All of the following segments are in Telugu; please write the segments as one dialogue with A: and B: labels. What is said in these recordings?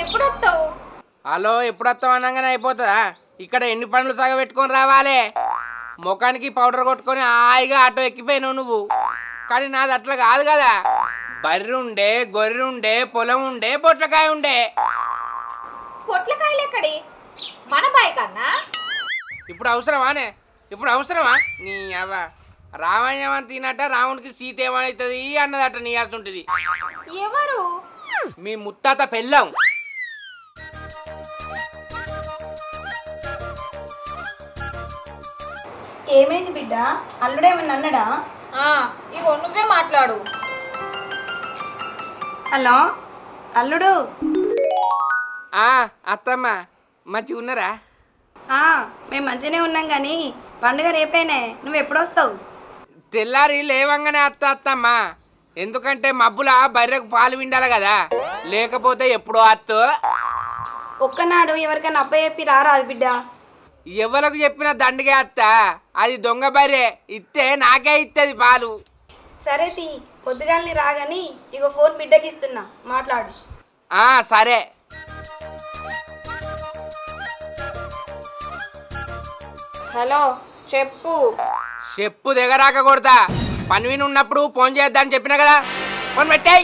A: ఎప్పుడు వస్తావు?
B: హలో, ఎప్పుడు వస్తావు అనగానే అయిపోతుందా? ఇక్కడ ఎన్ని పనులు సాగబెట్టుకొని రావాలి. ముఖానికి పౌడర్ కొట్టుకొని హాయిగా ఆటో ఎక్కిపోయినావు నువ్వు. కానీ నాది అట్లా కాదు కదా. బర్రె ఉండే, గొర్రె ఉండే, పొలం ఉండే, పొట్లకాయ ఉండే.
A: పొట్లకాయలు ఎక్కడి? మన బాయ్ కన్నా
B: ఇప్పుడు అవసరమానే? ఇప్పుడు అవసరమా? నీ అవ్వ రామాయణం అని తినట రామునికి సీత ఏమవుతుంది అన్నదట నీ ఉంటుంది.
A: ఎవరు?
B: మీ ముత్తాత పెళ్ళాం.
C: ఏమైంది బిడ్డ? అల్లుడేమన్నా అన్నాడా?
A: ఇగో నువ్వే మాట్లాడు.
C: హలో అల్లుడు.
B: అత్తమ్మ మంచిగా ఉన్నారా?
C: మేము మంచిగానే ఉన్నాం కానీ పండుగ రేపేనే, నువ్వు ఎప్పుడు వస్తావు?
B: తెల్లారి లేవంగానే అత్తమ్మ. ఎందుకంటే మబ్బుల బర్రెకు పాలు విండాలి కదా, లేకపోతే ఎప్పుడో అత్తో.
C: ఒక్కనాడు ఎవరికైనా అబ్బాయి చెప్పి రారాదు బిడ్డ.
B: ఎవరికి చెప్పిన దండగే అత్త. అది దొంగ బర్రె, ఇస్తే నాకే ఇస్తుంది పాలు.
C: సరే తీ, పొద్దుగాలని రాగాని ఇగో ఫోన్ బిడ్డకి ఇస్తున్నా, మాట్లాడు.
B: సరే.
A: హలో, చెప్పు.
B: చెప్పు దిగరాక కొడతా. పని విని ఉన్నప్పుడు ఫోన్ చేద్దామని చెప్పినా కదా, ఫోన్ పెట్టాయి.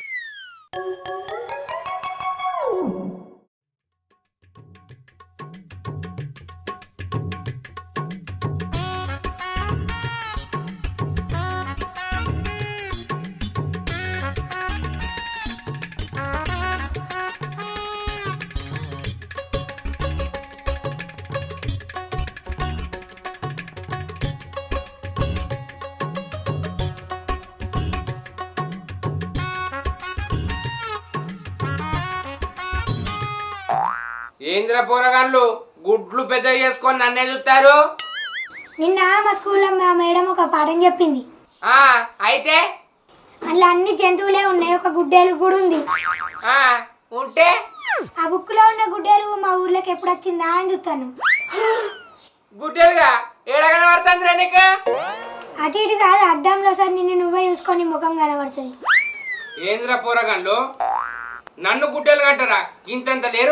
B: ఏంద్ర పోరగాళ్ళు గుడ్లు పెద్ద చేసుకొని నన్నే చూస్తారు.
D: నిన్న మా స్కూల్లో మా మేడం ఒక పాఠం చెప్పింది.
B: అయితే
D: అందులో అన్ని జంతువులే ఉన్నాయి, ఒక గుడ్డేలు కూడా ఉంది.
B: ఉంటే
D: ఆ బుక్ లో ఉన్న గుడ్డేలు మా ఊర్లోకి ఎప్పుడు వచ్చిందా అని చూస్తాను.
B: గుడ్డేలుగా ఏడగన పడుతుందిరా నీకు?
D: అటు ఇటు కాదు, అద్దంలో సార్ నిన్ను నువ్వే చూసుకొని ముఖం కనబడుతుంది.
B: ఏంద్ర పోరగాళ్ళు నన్ను గుడ్డేలు కంటారా? ఇంతంత లేరు.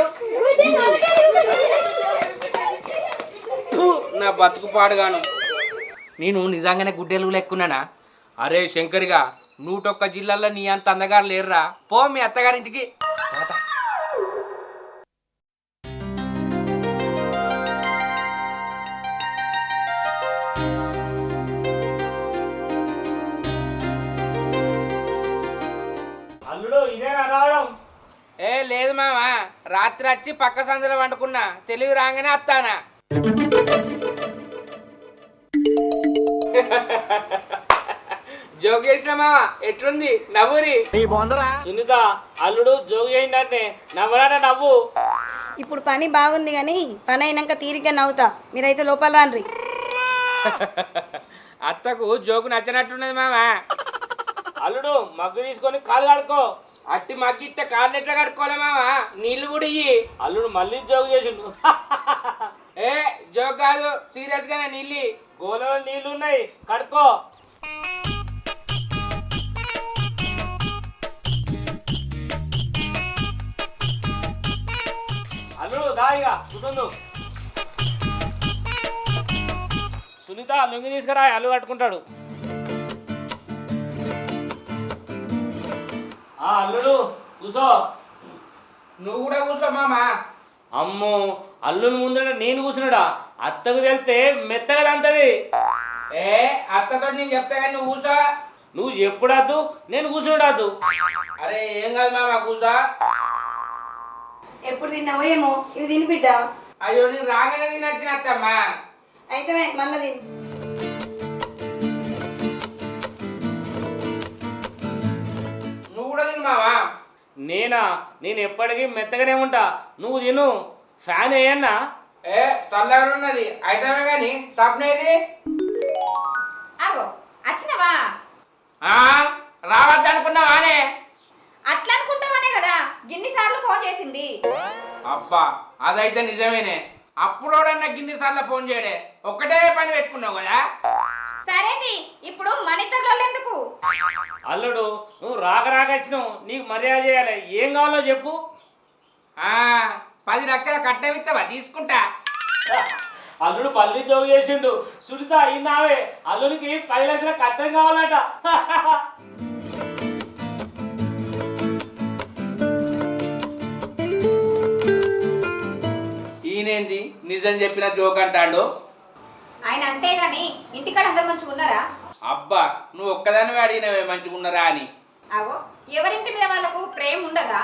B: నా బతుకు పాడుగాను. నేను నిజంగానే గుడ్డేలు లెక్కున్నానా? అరే శంకర్గా, 101 జిల్లాల్లో నీ అంత అందగారు లేరురా. పో మీ అత్తగారింటికి.
E: అల్లుడు ఇదేనా రావడం?
B: లేదు మామ, రాత్రి వచ్చి పక్క సందులో వండుకున్నా. తెలివి రాగానే వస్తానా. జోగు చేసిన మామ, ఎట్లుంది నవ్వురి?
E: సునీత, అల్లుడు జోగు చేయండి నవ్వరాట నవ్వు.
C: ఇప్పుడు పని బాగుంది కానీ పని అయినాక తీరిగ్గా నవ్వుతా, మీరైతే లోపల రాన్రి.
B: అత్తకు జోకు నచ్చినట్టున్నది మామ.
E: అల్లుడు మగ్గు తీసుకొని కాలు కడుకో.
B: అట్టి మగ్గిస్తే కాళ్ళు ఎట్లా కడుక్కోలే మామ? నీళ్లు కూడా ఇయ్యి.
E: అల్లుడు మళ్ళీ జోగు చేసిండు.
B: జోక్ కాదు, సీరియస్ గానే నీళ్ళు.
E: గోలలో నీళ్లు ఉన్నాయి, కడుకో. అల్లుడు దాయిగా కుటుంబం. సునీత లుంగి తీసుకురా, అల్లు కట్టుకుంటాడు. అల్లుడు కూసో.
B: నువ్వు కూడా కూర్చో మామ.
E: అమ్మో, అల్లుని ముందర నేను కూర్చున్నాడా? అత్తకు తెలితే మెత్తగా అంతది.
B: అత్తతో నేను చెప్తా కానీ నువ్వు కూర్చో.
E: నువ్వు ఎప్పుడద్దు, నేను కూర్చున్నాడు.
B: అరే ఏం కాదు మామ, కూర్చో.
C: ఎప్పుడు తిన్నావో ఏమో, ఇవి తిని బిడ్డ.
B: అయ్యో, నేను రాగానే తినచ్చినత్తమ్మా.
C: అయితే మళ్ళీ తిని.
B: నువ్వు కూడా తిను మావా.
E: నేను ఎప్పటికీ మెత్తగానే ఉంటా, నువ్వు తిను. ఫ్యాన్ వేయన్నా?
B: చల్లగా ఉన్నది అయితే కానీ సప్నేది.
A: ఆగో, వచ్చినవా?
B: రావద్దనుకున్నావానే?
A: అట్లా అనుకుంటావనే కదా గిన్నిసార్లు ఫోన్ చేసింది.
B: అబ్బా, అదైతే నిజమేనే. అప్పుడోడన్నా గిన్నిసార్లు ఫోన్ చేయడే, ఒక్కటే పని పెట్టుకున్నావు కదా.
A: సరేది, ఇప్పుడు మన ఇద్దరిలో ఎందుకు?
E: అల్లుడు, నువ్వు రాక వచ్చినావు, నీకు మర్యాద చేయాలి. ఏం కావాలో చెప్పు.
B: ఆ, 10 లక్షల కట్నం ఇస్తావా? తీసుకుంటా.
E: అల్లుడు పల్లి జోగు చేసిండు. సునీత అయినావే, అల్లుడికి 10 లక్షల కట్టం కావాలట.
B: ఈయనేంది నిజం చెప్పిన జోక్ అంటాడు?
A: ఆయన అంతేగాని ఇంటికాడ అందరు మంచిగా ఉన్నారా?
B: అబ్బా, నువ్వు ఒక్కదానివే అడిగినవే మంచిగున్నరా అని.
A: అగో, ఎవరింటి మీద వాళ్ళకు ప్రేమ ఉండదా?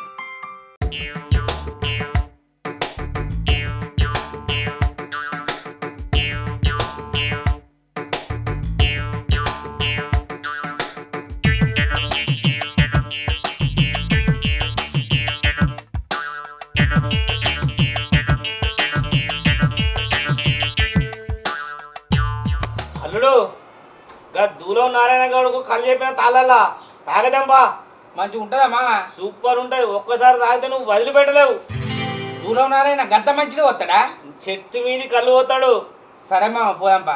E: అల్లుడు గా దూలం నారాయణ గౌడకు కళ్ళు చెప్పిన తాళల్లా తాగదంపా.
B: మంచిగా ఉంటుందా మామ?
E: సూపర్ ఉంటది. ఒక్కసారి తాగితే నువ్వు వదిలిపెట్టలేవు.
B: దూరం నారాయణ గంత మంచిగా వస్తాడా?
E: చెట్టు మీది కళ్ళు పోతాడు.
B: సరే మామ, పోదాంపా.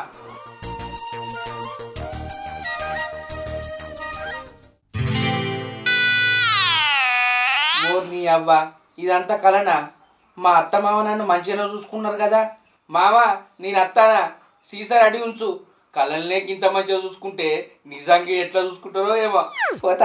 B: నీ అవ్వ, ఇదంతా కలనా? మా అత్త మామ నన్ను మంచిగానే చూసుకున్నారు కదా. మామ, నేను అత్తానా? సీసా రెడీ ఉంచు. కళలనే ఇంత మంచిగా చూసుకుంటే నిజంగా ఎట్లా చూసుకుంటారో ఏమో. పోతా.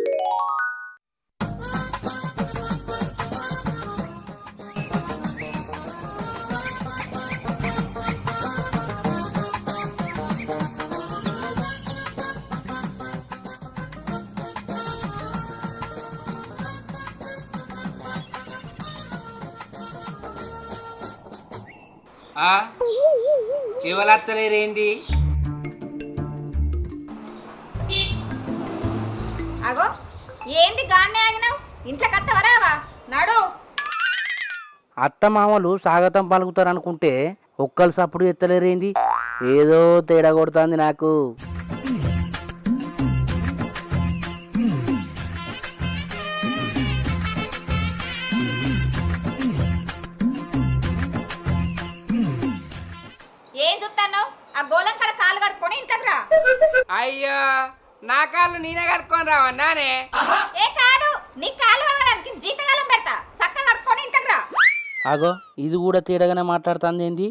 B: ఎవరత్తలేరేంటి?
A: అగో, ఏంది గాన్నే ఆగినావు? ఇంట్లోకి అత్తవరావా? నడు.
F: అత్త మామలు స్వాగతం పలుకుతారు అనుకుంటే ఒక్కరు సప్పుడు ఎత్తలేరేంది? ఏదో తేడా కొడుతుంది నాకు.
A: ఏం చూస్తాను? ఆ గోళం కాడ కాలు కడుక్కొని ఇంట్లోకి రా.
B: అయ్యో, నా కాళ్ళు నేనే కట్టుకొని రావన్నానే.
A: ఏ కాదు, నీ కాలు కడగడానికి జీతకాలం పెడతా. చక్కగా కడుక్కొని ఇంట్లోకి రా.
F: అగో, ఇది కూడా తేడాగానే మాట్లాడుతుంది ఏంది?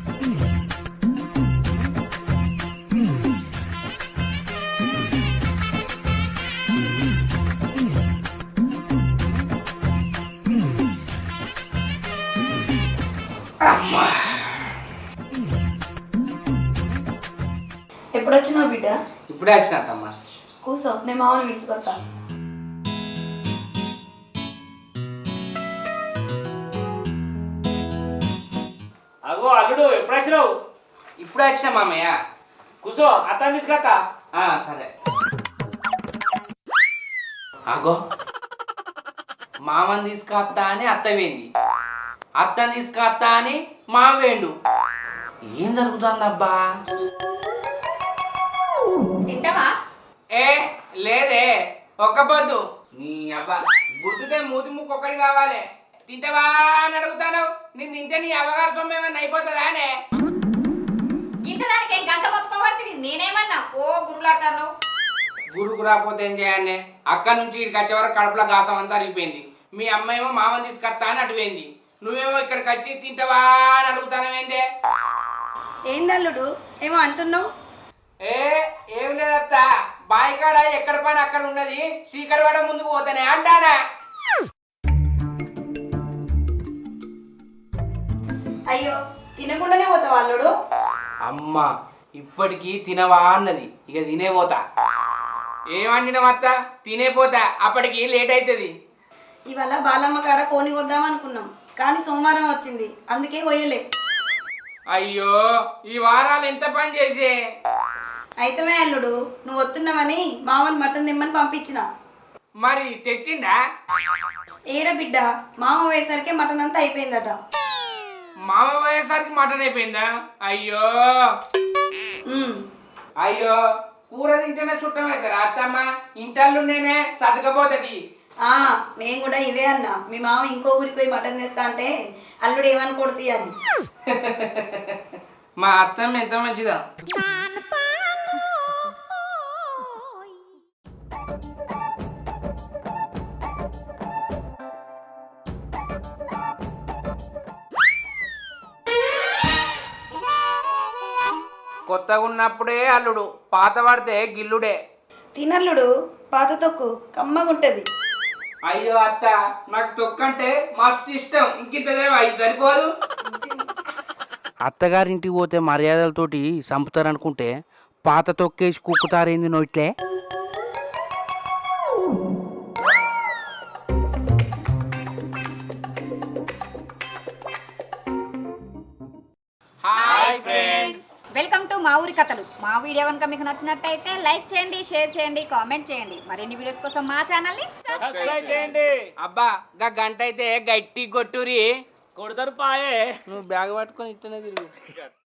C: ఎప్పుడు వచ్చినావు బిడ్డ?
B: ఇప్పుడే వచ్చినమ్మా.
C: కూసో, నేను మామని పిలుచుకొస్తా.
E: అగో అల్లుడు, ఎప్పుడు వచ్చినావు?
B: ఇప్పుడే వచ్చిన మామయ్య.
E: కూసో, అత్తాన్ని తీసుకొస్తా.
B: సరే. అగో, మామని తీసుకొస్తా అని అత్త వేంది, అత్తని తీసుకొస్తా అని మామ వేండు. ఏం జరుగుతుందబ్బా?
A: తింటావా?
B: ఏ లేదే, ఒక్క పొద్దు. నీ అబ్బా, బుద్ధితే మూతి ముక్కు ఒక్కటి కావాలి. తింటావా అని అడుగుతాను. నేను తింటే నీ అవ్వగారు సొమ్మేమన్నా అయిపోతుందా అనే?
A: ఇంతదానికి ఏం గంట మొత్తుకోబడుతుంది? నేనేమన్నా ఓ గురులాడతాను.
B: గురుకు రాకపోతే ఏం చేయాలి? అక్కడి నుంచి ఇక్కడికి వచ్చే వరకు కడుపులో గాసం అంతా అరిగిపోయింది. మీ అమ్మాయేమో మామని తీసుకొస్తా అని అటుపోయింది. నువ్వేమో ఇక్కడికి వచ్చి తింటావా అని అడుగుతానవేందే?
C: ఏందల్లుడు, ఏమో అంటున్నావు?
B: ఏం లేదత్త, బాయికాడ ఎక్కడ పని అక్కడ ఉన్నది. సీకడ పడ ముందుకు పోతానే అంటానా.
C: అయ్యో, తినకుండానే పోతావా అల్లుడు?
B: అమ్మ ఇప్పటికీ తినవా అన్నది, ఇక తినే పోతా. ఏమంటినవత్త? తినే పోతా, అప్పటికి లేట్ అవుతుంది.
C: ఇవాళ బాలమ్మ కాడ కోని వద్దాం అనుకున్నాం, కానీ సోమవారం వచ్చింది, అందుకే పోయలే.
B: అయ్యో, ఈ వారాలు ఎంత పని చేసే.
C: అయితమే అల్లుడు, నువ్వు వస్తున్నావని మామని మటన్ తిమ్మని పంపించిన.
B: మరి తెచ్చిండా?
C: ఏడ బిడ్డ, మామ పోయేసరికి మటన్ అంతా అయిపోయిందట.
B: మామ పోయేసరికి మటన్ అయిపోయిందా? అయ్యో అయ్యో, కూర తింటేనే చుట్టమవుతారా అత్తమ్మ? ఇంటల్లు నేనే సతకపోతుంది.
C: నేను కూడా ఇదే అన్నా, మీ మామ ఇంకో ఊరికి పోయి మటన్ తెస్తా అంటే అల్లుడు ఏమనుకోడుతీ అని.
B: మా అత్తమ్మ ఎంత మంచిదా. కొత్తగా ఉన్నప్పుడే అల్లుడు, పాత పడితే గిల్లుడే.
C: తినల్లుడు పాత తొక్కు కమ్మగుంటది.
B: అయ్యో అత్త, నాకు తొక్కంటే మస్తు ఇష్టం. ఇంకింత అయి సరిపోదు.
F: అత్తగారింటికి పోతే మర్యాదలతోటి చంపుతారనుకుంటే పాత తొక్కేసి కుక్కుతారేంది నోట్లే.
B: Hi friends.
A: వెల్కమ్ టు మా ఊరి కథలు. మా వీడియో కనుక మీకు నచ్చినట్టయితే లైక్ చేయండి, షేర్ చేయండి, కామెంట్ చేయండి. మరిన్ని వీడియోస్ కోసం మా ఛానల్ని
E: సబ్స్క్రైబ్ చేయండి.
B: అబ్బా గా గంట అయితే గట్టి కొట్టురి.
E: కొడతారు పాయే.
B: నువ్వు బ్యాగ్ పట్టుకొని ఇట్టనే తిరుగు.